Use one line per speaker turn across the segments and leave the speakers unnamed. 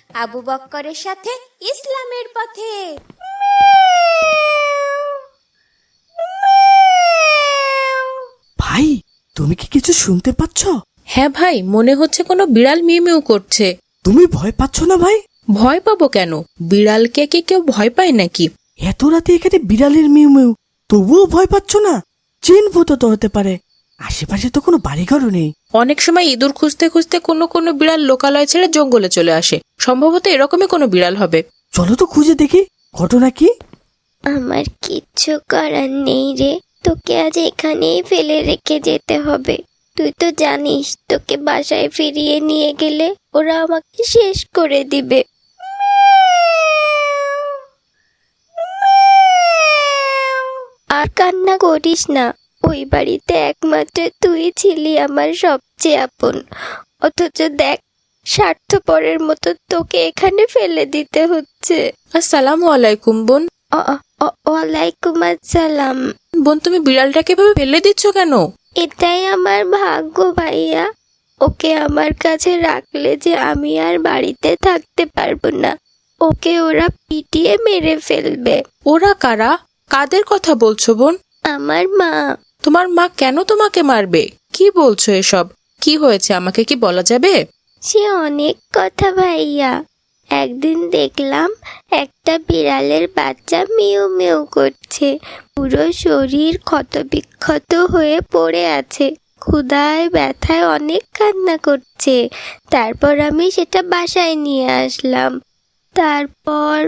আবু বক্করের সাথে ইসলামের পথে।
ভাই, তুমি কি কিছু শুনতে পাচ্ছ?
হ্যাঁ ভাই, মনে হচ্ছে কোনো বিড়াল মিউ মিউ করছে।
তুমি ভয় পাচ্ছ না ভাই?
ভয় পাবো কেন? বিড়ালকে কি কেউ ভয় পায় নাকি?
এত রাতে এখানে বিড়ালের মিউ মিউ, তবুও ভয় পাচ্ছ না? জিন ভূত তো হতে পারে, আশেপাশে তো কোনো বাড়িঘরও নেই।
অনেক সময় ইঁদুর খুঁজতে খুঁজতে কোনো কোনো বিড়াল লোকালয় ছেড়ে জঙ্গলে চলে আসে। সম্ভবত এরকমই কোনো বিড়াল হবে।
চলো তো খুঁজে দেখি, ঘটনা কি।
আমার কিচ্ছু করার নেই রে, তোকে আজ এখানেই ফেলে রেখে যেতে হবে। তুই তো জানিস, তোকে বাসায় ফিরিয়ে নিয়ে গেলে ওরা আমাকে শেষ করে দিবে। আর কান্না করিস না, ওই বাড়িতে একমাত্র তুই ছিলি আমার সবচেয়ে আপন। অথচ দেখ, স্বার্থপরের মতো তোকে এখানে ফেলে দিতে হচ্ছে।
আসসালামু আলাইকুম বোন।
ওয়ালাইকুম আসসালাম।
বোন, তুমি বিড়ালটাকে এভাবে ফেলে দিচ্ছ কেন?
এটাই আমার ভাগ্য ভাইয়া। ওকে আমার কাছে রাখলে যে আমি আর বাড়িতে থাকতে পারবো না। ওকে ওরা পিটিয়ে মেরে ফেলবে।
ওরা কারা? কাদের কথা বলছো বোন?
আমার মা।
তোমার মা কেন তোমাকে মারবে? কি বলছো এসব? কি হয়েছে আমাকে কি বলা যাবে?
সে অনেক কথা ভাইয়া। একদিন দেখলাম একটা বিড়ালের বাচ্চা মিউ মিউ করছে, পুরো শরীর ক্ষতবিক্ষত হয়ে পড়ে আছে, ক্ষুধায় ব্যথায় অনেক কান্না করছে। তারপর আমি সেটা বাসায় নিয়ে আসলাম। তারপর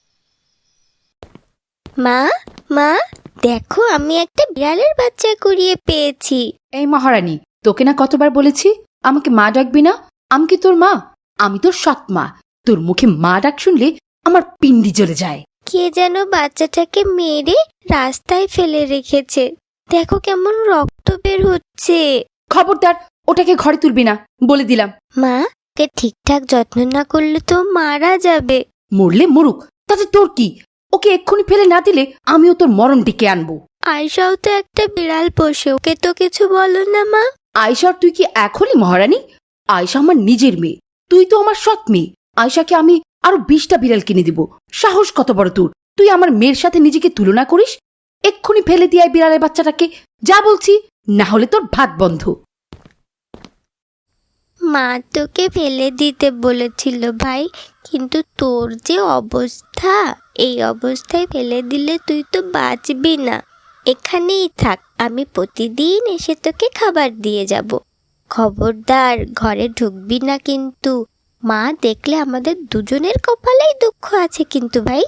মা মা দেখো, আমি একটা বিড়ালের বাচ্চা কুড়িয়ে পেয়েছি।
এই মহারানী, তোকে না কতবার বলেছি আমাকে মা ডাকবি না? আমি কি তোর মা? আমি তোর সৎ মা। তোর মুখে মা ডাক শুনলে আমার পিন্ডি জ্বলে যায়।
কে যেন বাচ্চাটাকে মেরে রাস্তায় ফেলে রেখেছে। দেখো কেমন রক্ত বের হচ্ছে।
খবরদার, ওটাকে ঘরে তুলবি না, বলে দিলাম।
মা, ওকে ঠিকঠাক যত্ন না করলে তো মারা যাবে।
মরলে মরুক, তাতে তোর কি? ওকে এক্ষুনি ফেলে না দিলে আমিও তোর মরণ ডেকে আনবো।
আয়শাও তো একটা বিড়াল পোষে, ওকে তো কিছু বলো না মা।
আয়শার তুই কি এখনই মহারানী? আয়শা আমার নিজের মেয়ে, তুই তো আমার সৎ মেয়ে। আয়শাকে আমি আরো 20টা বিড়াল কিনে দিব। সাহস কত বড় তোর! তুই আমার মেয়ের সাথে নিজেকে তুলনা করিস? এক্ষুনি ফেলে দিয়ে বিড়ালের বাচ্চাটাকে, যা বলছি, না হলে তোর ভাত বন্ধ।
মা তোকে ফেলে দিতে বলেছিল ভাই, কিন্তু তোর যে অবস্থা, এই অবস্থায় ফেলে দিলে তুই তো বাঁচবি না। এখানেই থাক, আমি প্রতিদিন এসে তোকে খাবার দিয়ে যাব। খবরদার, ঘরে ঢুকবি না কিন্তু। মা দেখলে আমাদের দুজনের কপালেই দুঃখ আছে কিন্তু ভাই।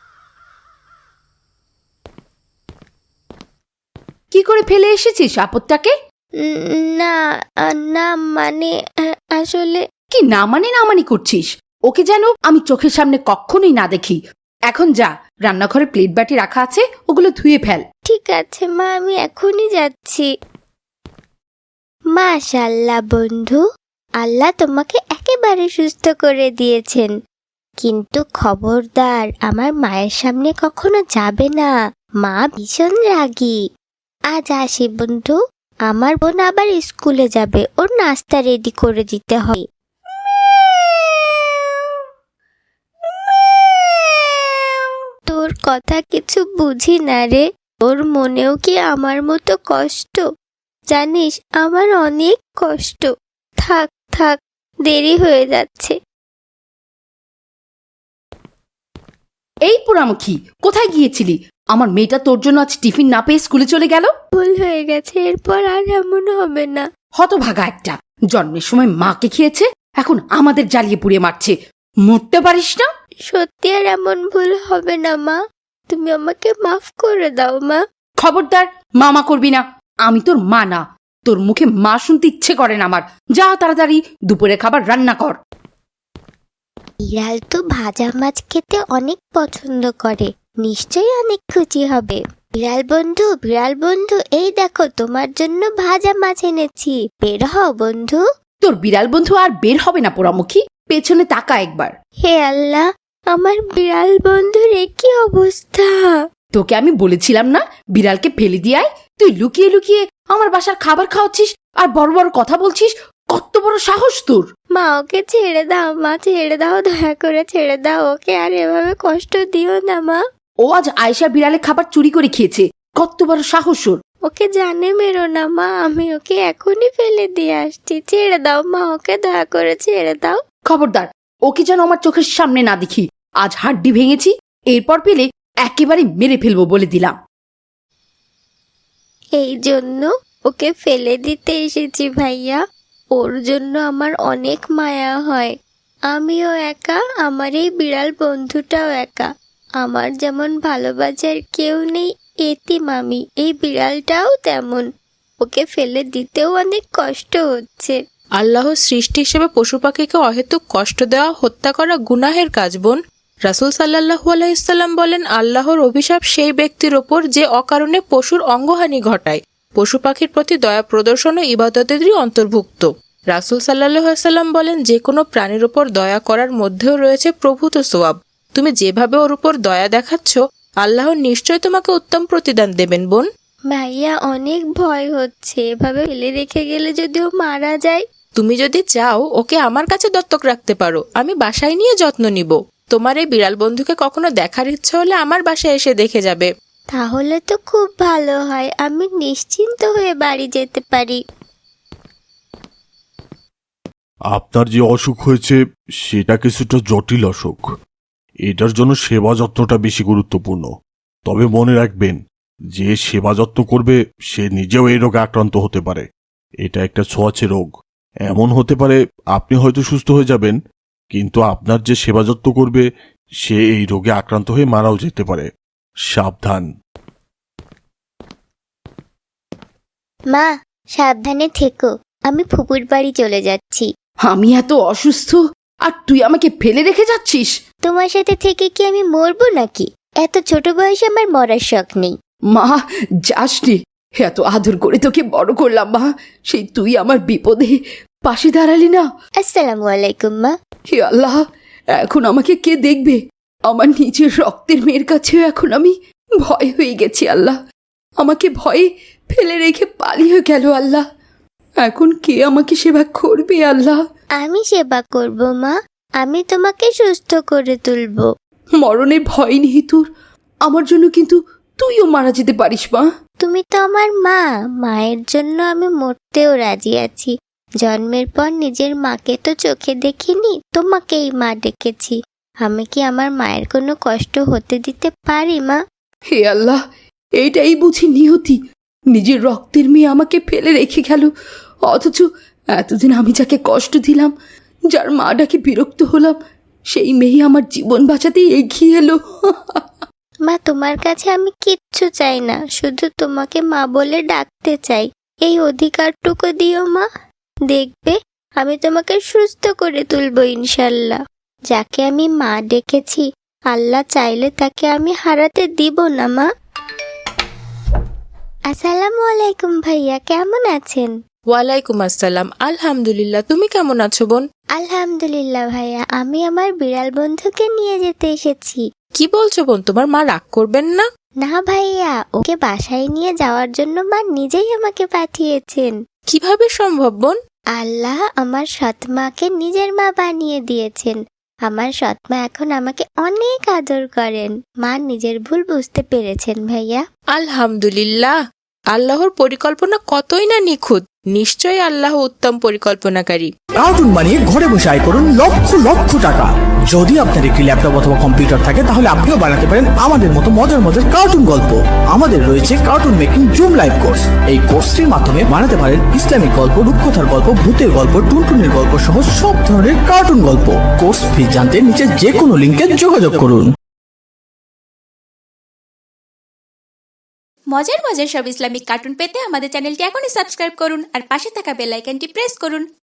কি করে ফেলে এসেছিস আপদটাকে?
না না, মানে আসলে
কি না মানে করছিস? ওকে যেন আমি চোখের সামনে কখনোই না দেখি। এখন যা, রান্নাঘরে প্লেট বাটি রাখা আছে, ওগুলো ধুয়ে ফেল।
ঠিক আছে মা, আমি এখনই যাচ্ছি। মাশাআল্লাহ বন্ধু, আল্লাহ তোমাকে একেবারে সুস্থ করে দিয়েছেন। কিন্তু খবরদার, আমার মায়ের সামনে কখনো যাবে না, মা ভীষণ রাগী। আজ আসি বন্ধু, আমার বোন আবার স্কুলে যাবে, ওর নাস্তা রেডি করে দিতে হয়। তোর কথা কিছু বুঝি না রে। তোর মনেও কি আমার মতো কষ্ট? জানিস, আমার অনেক কষ্ট। থাক থাক, দেরি হয়ে যাচ্ছে।
এই পোড়ামুখী, কোথায় গিয়েছিলি? আমার মেয়েটা তোর জন্য আজ টিফিন না পেয়ে স্কুলে চলে গেল।
ভুল হয়ে গেছে, এরপর আর এমন হবে না।
হতভাগা একটা, জন্মের সময় মাকে খেয়েছে, এখন আমাদের জ্বালিয়ে পুড়িয়ে মারছে। মরতে পারিস না?
সত্যি আর এমন ভুল হবে না মা, তুমি আমাকে মাফ করে দাও মা।
খবরদার, মামা করবি না। আমি তোর মা না। তোর মুখে মা শুনতে ইচ্ছে করে না আমার। যা তাড়াতাড়ি দুপুরে খাবার রান্না কর।
বিড়াল তো ভাজা মাছ খেতে অনেক পছন্দ করে, নিশ্চয়ই অনেক খুশি হবে। বিড়াল বন্ধু, এই দেখো তোমার জন্য ভাজা মাছ এনেছি, বের হও বন্ধু।
তোর বিড়াল বন্ধু আর বের হবে না পোড়ামুখী, পেছনে তাকা একবার।
হে আল্লাহ, আমার বিড়াল বন্ধুর কি অবস্থা!
তোকে আমি বলেছিলাম না বিড়ালকে ফেলে দিয়ে আয়? তুই লুকিয়ে লুকিয়ে আমার বাসার খাবার খাওয়াচ্ছিস আর বড় বড় কথা বলছিস। কত বড় সাহস তোর!
মা ওকে ছেড়ে দাও, মা ছেড়ে দাও, দয়া করে ছেড়ে দাও ওকে, আর এভাবে কষ্ট দিও না মা।
ও আজ আয়েশা বিড়ালে খাবার চুরি করে খেয়েছে। কত বড় সাহস ওর!
ওকে জানে মেরো না মা, আমি ওকে এখনই ফেলে দিয়ে আসছি, ছেড়ে দাও মা ওকে, দয়া করে ছেড়ে দাও।
খবরদার, ওকে যেন আমার চোখের সামনে না দেখি। আজ হাড্ডি ভেঙেছি, এরপর পেলে একেবারে মেরে ফেলবো বলে দিলাম।
এই জন্য ওকে ফেলে দিতে এসেছি ভাইয়া, ওর জন্য আমার অনেক মায়া হয়। আমিও একা, আমার এই বিড়াল বন্ধুটাও একা, আমার যেমন ভালোবাসার কেউ নেই এতিম আমি, এই বিড়ালটাও তেমন, ওকে ফেলে দিতেও অনেক কষ্ট হচ্ছে।
আল্লাহর সৃষ্টি হিসেবে পশু পাখিকে অহেতুক কষ্ট দেওয়া, হত্যা করা গুনাহের কাজ বোন। রাসূল সাল্লাল্লাহু আলাইহি সাল্লাম বলেন, আল্লাহর অভিশাপ সেই ব্যক্তির ওপর যে অকারণে পশুর অঙ্গহানি ঘটায়। পশু পাখির প্রতি দয়া প্রদর্শন ও ইবাদতেরই অন্তর্ভুক্ত। রাসূল সাল্লাল্লাহু আলাইহি সাল্লাম বলেন, যে কোনো প্রাণীর ওপর দয়া করার মধ্যেও রয়েছে প্রভূত সওয়াব। তুমি যেভাবে ওর উপর দয়া দেখাচ্ছ, আল্লাহ নিশ্চয় তোমাকে উত্তম প্রতিদান দেবেন বোন।
ভাইয়া অনেক ভয় হচ্ছে, এভাবে ফেলে রেখে গেলে যদি ও মারা যায়।
তুমি যদি চাও ওকে আমার কাছে দত্তক রাখতে পারো, আমি বাসায় নিয়ে যত্ন নিব। তোমার এই বিড়াল বন্ধুকে কখনো দেখার ইচ্ছা হলে আমার বাসায় এসে দেখে যাবে।
তাহলে তো খুব ভালো হয়, আমি নিশ্চিন্ত হয়ে বাড়ি যেতে পারি।
আপনার যে অসুখ হয়েছে সেটা কিছুটা জটিল অসুখ। এটার জন্য সেবা যত্নটা বেশি গুরুত্বপূর্ণ। তবে মনে রাখবেন, যে সেবা যত্ন করবে সে নিজেও এই রোগে আক্রান্ত হতে পারে। এটা একটা ছোঁয়াচে রোগ। এমন হতে পারে আপনি হয়তো সুস্থ হয়ে যাবেন, কিন্তু আপনার যে সেবা যত্ন করবে সে এই রোগে আক্রান্ত হয়ে মারাও যেতে পারে। সাবধান।
মা সাবধানে থেকো, আমি ফুপুর বাড়ি চলে যাচ্ছি।
আমি এত অসুস্থ আর তুই আমাকে ফেলে রেখে যাচ্ছিস?
তোমার সাথে থেকে কি আমি মরবো নাকি? এত ছোট বয়সে আমার মরার শখ নেই।
মা, যাসনি। এত আদর করে তোকে বড় করলাম মা, সেই তুই আমার বিপদে পাশে দাঁড়ালি না।
আসসালামু আলাইকুম মা।
হে আল্লাহ, এখন আমাকে কে দেখবে? আমার নিজের রক্তের মেয়ের কাছেও এখন আমি ভয় হয়ে গেছি আল্লাহ। আমাকে ভয়ে ফেলে রেখে পালিয়ে গেল আল্লাহ। এখন কে আমাকে সেবা করবে আল্লাহ?
আমি সেবা করব মা, আমি তোমাকে সুস্থ করে তুলবো।
মরণের ভয় নেই তোর? আমার জন্য কিন্তু তুইও মারা যেতে পারিস মা।
তুমি তো আমার মা, মায়ের জন্য আমি মরতেও রাজি আছি। জন্মের পর নিজের মাকে তো চোখে দেখিনি, তোমাকেই মা ডেকেছি। আমি কি আমার মায়ের কোনো কষ্ট হতে দিতে পারি মা?
হে আল্লাহ, এইটাই বুঝি নিয়তি। নিজের রক্তের মেয়ে আমাকে ফেলে রেখে গেল, অথচ এতদিন আমি যাকে কষ্ট দিলাম, যার মা ডাকে বিরক্ত হলাম, সেই মেয়ে আমার জীবন বাঁচাতে এগিয়ে এলো।
মা তোমার কাছে আমি কিচ্ছু চাই না, শুধু তোমাকে মা বলে ডাকতে চাই। এই অধিকারটুকু দিও মা, দেখবে আমি তোমাকে সুস্থ করে তুলবো ইনশাল্লাহ। যাকে আমি মা ডেকেছি, আল্লাহ চাইলে তাকে আমি হারাতে দিব না মা। আসসালামু আলাইকুম ভাইয়া, কেমন আছেন?
ওয়ালাইকুম আসসালাম। আলহামদুলিল্লাহ, তুমি কেমন আছো বোন?
আলহামদুলিল্লাহ ভাইয়া, আমি আমার বিড়াল বন্ধুকে নিয়ে যেতে এসেছি।
কি বলছো বোন, তোমার মা রাগ করবেন না?
না ভাইয়া, ওকে বাসায় নিয়ে যাওয়ার জন্য মা নিজেই আমাকে পাঠিয়েছেন।
কিভাবে সম্ভব বোন?
আল্লাহ আমার সৎমাকে নিজের মা বানিয়ে দিয়েছেন। আমার সৎমা এখন আমাকে অনেক আদর করেন। মা নিজের ভুল বুঝতে পেরেছেন ভাইয়া।
আলহামদুলিল্লাহ, আল্লাহর পরিকল্পনা কতই না নিখুঁত। নিশ্চয়ই আল্লাহ উত্তম পরিকল্পনাকারী।
কার্টুন বানিয়ে ঘরে বসে আয় করুন লক্ষ লক্ষ টাকা। যদি আপনার একটি ল্যাপটপ অথবা কম্পিউটার থাকে তাহলে আপনিও বানাতে পারেন আমাদের মতো মজার মজার কার্টুন গল্প। আমাদের রয়েছে cartoon making zoom live course. এই কোর্সটির মাধ্যমে বানাতে পারেন ইসলামিক গল্প, রূপকথার গল্প, ভূতের গল্প, টুনটুনের গল্প সহ সব ধরনের কার্টুন গল্প। কোর্স ফি জানতে নিচে যে কোনো লিঙ্কে যোগাযোগ করুন।
মজার মজার সব ইসলামিক কার্টুন পেতে আমাদের চ্যানেলটি এখনই সাবস্ক্রাইব করুন আর পাশে থাকা বেল আইকনটি প্রেস করুন।